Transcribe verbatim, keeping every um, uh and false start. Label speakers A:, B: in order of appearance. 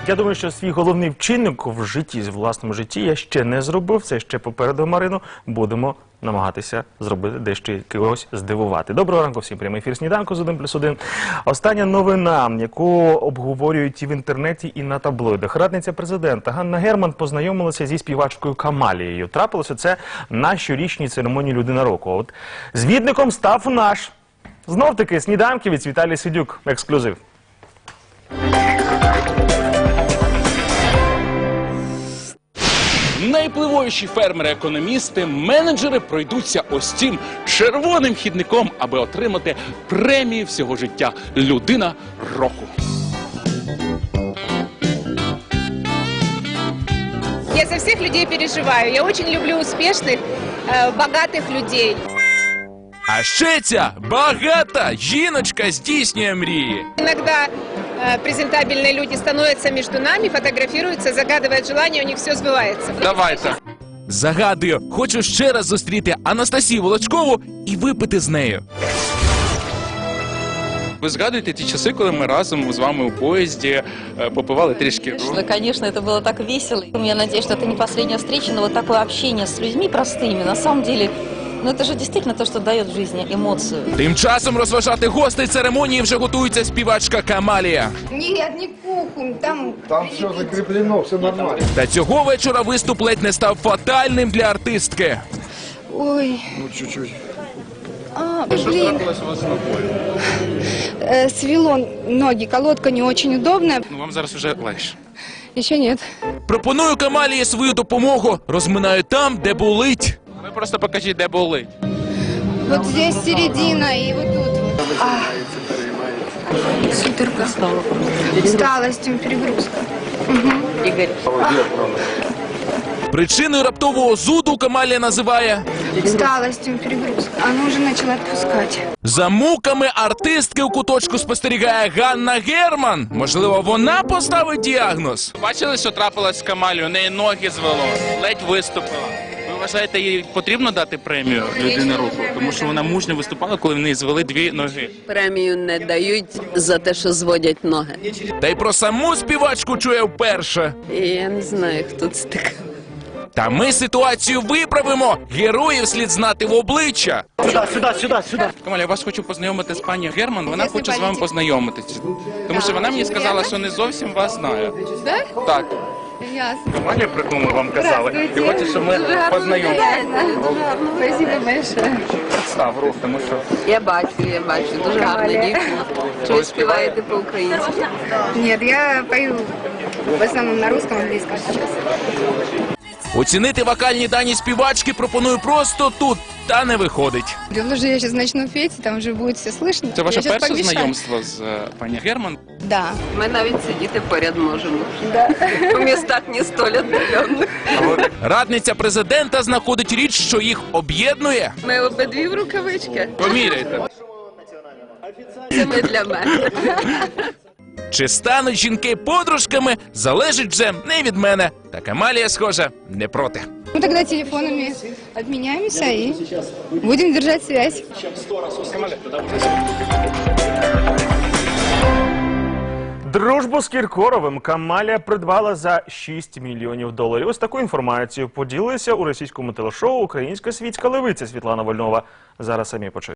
A: Я думаю, що свій головний вчинок в житті, в власному житті я ще не зробив. Це ще попереду, Марино. Будемо намагатися зробити дещо когось здивувати. Доброго ранку всім. Прямий ефір «Сніданку» з один плюс один. Остання новина, яку обговорюють і в інтернеті, і на таблоїдах. Радниця президента Ганна Герман познайомилася зі співачкою Камалією. Трапилося це на щорічній церемонії «Людина року». От звідником став наш, знов-таки, сніданківець Віталій Сидюк. Ексклюзив.
B: Найвпливовіші фермери-економісти, менеджери пройдуться ось цим червоним хідником, аби отримати премію всього життя «Людина року».
C: Я за всех людей переживаю. Я очень люблю успешных, э, богатых людей.
D: А ще ця багата жіночка здійснює мрії.
C: Иногда э, презентабельные люди становятся между нами, фотографируются, загадывают желание, у них все сбывается.
B: Давайте.
D: Загадую, хочу ще раз зустріти Анастасію Волочкову і випити з нею.
B: Ви згадуєте ті часи, коли ми разом з вами у поїзді е, попивали трішки?
E: Конечно, конечно, это было так весело. Я надеюсь, что это не последняя встреча, но вот такое общение с людьми простыми, на самом деле, ну это же действительно то, что дает в жизни эмоцию.
D: Тим часом розважати гостей церемонії вже готується співачка Камалія.
F: Нет, не кухонь, там...
G: Там все закреплено, все нормально.
D: Та цього вечора виступ ледь не став фатальним для артистки.
F: Ой,
G: Ну, чуть-чуть.
F: а, блин. Э, свело ноги, колодка не очень удобная.
B: Ну, вам зараз вже легше.
F: Еще нет.
D: Пропоную Камалії свою допомогу. Розминаю там, де болить.
B: Ви просто покажіть, де болить.
F: Вот здесь середина и вот тут вот. А, суперка. Усталость, перегрузка.
D: Причиною раптового зуду Камалія називає
F: Усталость, перегрузка. Она уже начала отпускать.
D: за муками артистки у куточку спостерігає Ганна Герман. Можливо, вона поставить діагноз.
B: Бачили, що трапилось з Камалією? У неї ноги звело, ледь виступила. Ви вважаєте, їй потрібно дати премію «Людина року»? Тому що вона мужньо виступала, коли в неї звели дві ноги.
H: Премію не дають за те, що зводять ноги.
D: Та й про саму співачку чує вперше.
H: І я не знаю, хто це така.
D: Та ми ситуацію виправимо. Героїв слід знати в обличчя.
B: Камаля, я вас хочу познайомити з пані Герман. Вона хоче з вами познайомитися. Тому що вона мені сказала, що не зовсім вас знає. Так.
F: Ясно.
B: Камаля придумала, вам казали. І хоче, щоб ми познайомилися.
F: Спасибо большое.
B: Став рух, тому що...
H: Я бачу, я бачу. Дуже гарна дівчина. Чи ви співаєте по-українськи?
F: Нет, я пою в основном на русском, английском сейчас.
D: Оцінити вокальні дані співачки пропоную просто тут, та не виходить.
F: Дело же, я сейчас начну петь, там уже будет все слышно.
B: Це ваше
F: Я щас
B: перше
F: помешаю.
B: знайомство з е, пані Герман?
F: Да.
H: Ми навіть сидіти поряд можемо. У містах не столь віддалених.
D: Радниця президента знаходить річ, що їх об'єднує.
H: Ми обидві в рукавичках.
B: Поміряйте.
H: Це ми для мене.
D: Чи стануть жінки подружками, залежить вже не від мене. Та Камалія, схоже, не проти.
F: Ну тогда телефонами обменяемся и будем держать связь.
A: Дружбу з Кіркоровим Камалія придбала за шість мільйонів доларів. Ось таку інформацію поділилася у російському телешоу «Українська світська левиця» Світлана Вольнова. Зараз самі почуєте.